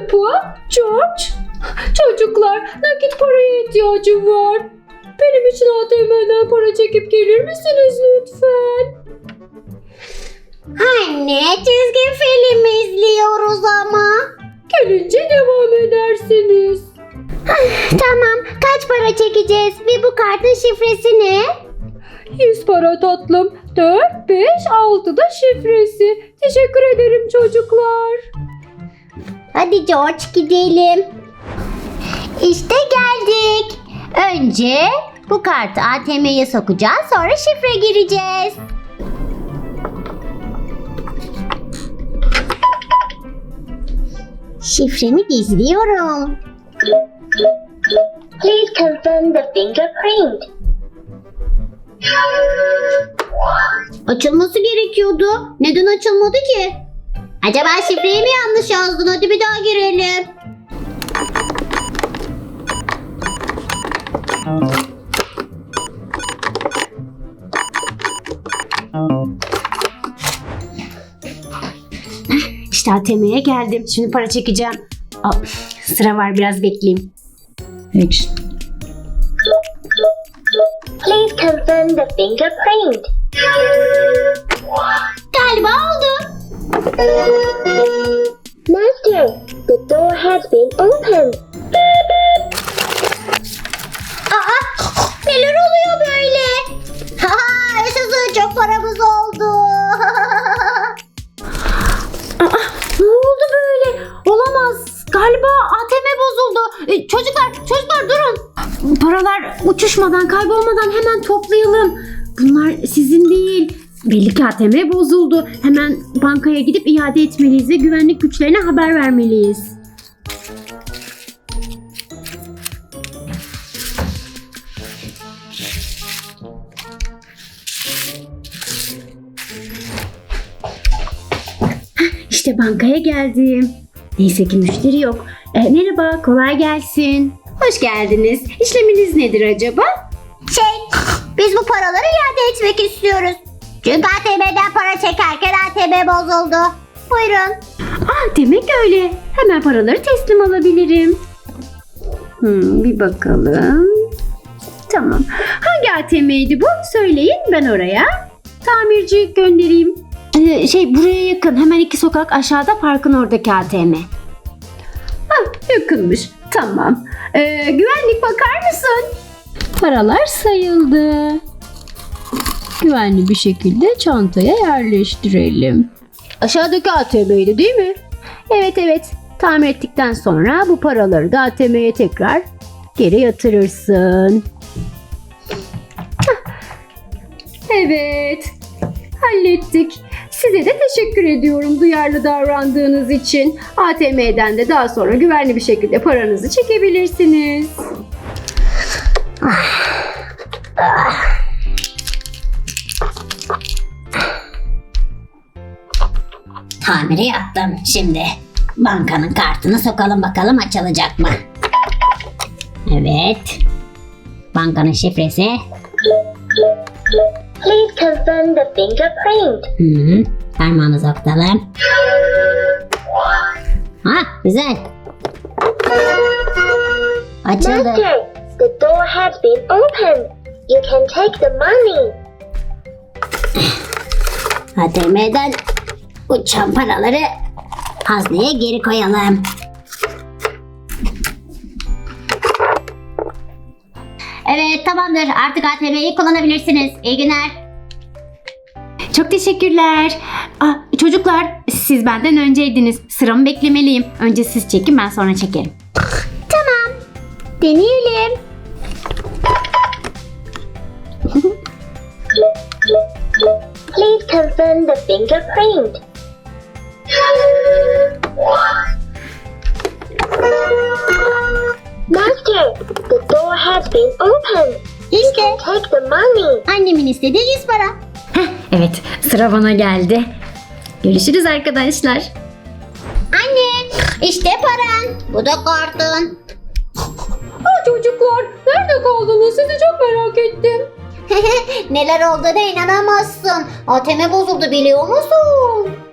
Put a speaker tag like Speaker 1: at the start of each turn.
Speaker 1: Peppa, George. Çocuklar, nakit paraya ihtiyacım var. Benim için ATM'den para çekip gelir misiniz lütfen?
Speaker 2: Anne, çizgi film izliyoruz ama.
Speaker 1: Gelince devam edersiniz.
Speaker 2: Tamam, kaç para çekeceğiz ve bu kartın şifresi ne?
Speaker 1: 100 para tatlım. 4, 5, 6 da şifresi. Teşekkür ederim çocuklar.
Speaker 2: Hadi George gidelim. İşte geldik. Önce bu kartı ATM'ye sokacağız, sonra şifre gireceğiz. Şifremi gizliyorum.
Speaker 3: Please confirm the fingerprint.
Speaker 2: Açılması gerekiyordu. Neden açılmadı ki? Acaba şifreyi mi yanlış yazdın? Hadi bir daha girelim. İşte ATM'ye geldim. Şimdi para çekeceğim. Sıra var, biraz bekleyeyim.
Speaker 1: Hiç.
Speaker 3: Please confirm the fingerprint.
Speaker 2: Galiba oldu.
Speaker 3: Master, the door has been opened.
Speaker 2: Neler oluyor böyle? Yaşasın, çok paramız oldu. Ne oldu böyle? Olamaz. Galiba ATM bozuldu. Çocuklar durun. Paralar uçuşmadan, kaybolmadan hemen toplayalım. Bunlar sizin değil. Belli ki ATM bozuldu. Hemen bankaya gidip iade etmeliyiz ve güvenlik güçlerine haber vermeliyiz. İşte bankaya geldim. Neyse ki müşteri yok. Merhaba, kolay gelsin. Hoş geldiniz. İşleminiz nedir acaba? Biz bu paraları iade etmek istiyoruz. Çünkü ATM'den para çekerken ATM bozuldu. Buyurun. Demek öyle. Hemen paraları teslim alabilirim. Bir bakalım. Tamam. Hangi ATM'ydi bu? Söyleyin, ben oraya tamirci göndereyim. Buraya yakın. Hemen 2 sokak aşağıda, parkın oradaki ATM. Yakınmış. Tamam. Güvenlik, bakar mısın?
Speaker 1: Paralar sayıldı. Güvenli bir şekilde çantaya yerleştirelim. Aşağıdaki ATM'ydi değil mi?
Speaker 2: Evet.
Speaker 1: Tamir ettikten sonra bu paraları da ATM'ye tekrar geri yatırırsın. Evet. Hallettik. Size de teşekkür ediyorum duyarlı davrandığınız için. ATM'den de daha sonra güvenli bir şekilde paranızı çekebilirsiniz.
Speaker 2: Tamiri yaptım. Şimdi bankanın kartını sokalım, bakalım açılacak mı? Evet. Bankanın şifresi.
Speaker 3: Please confirm the fingerprint.
Speaker 2: Parmağımızı okutalım. Güzel. Açıldı.
Speaker 3: Master, the door has been opened. You can take the money.
Speaker 2: ATM'den uçan paraları hazneye geri koyalım. Evet, tamamdır. Artık ATM'yi kullanabilirsiniz. İyi günler. Çok teşekkürler. Çocuklar, siz benden önceydiniz. Sıramı beklemeliyim. Önce siz çekin, ben sonra çekerim. Tamam. Deneyelim.
Speaker 3: Please confirm the fingerprint. Master, the door has been opened.
Speaker 2: İşte
Speaker 3: Take the money.
Speaker 2: annemin istediği 100 para. Evet, sıra bana geldi. Görüşürüz arkadaşlar. Anne, işte paran. Bu da kartın.
Speaker 1: Çocuklar, nerede kaldınız? Sizi çok merak ettim.
Speaker 2: Neler olduğuna inanamazsın. ATM bozuldu, biliyor musun?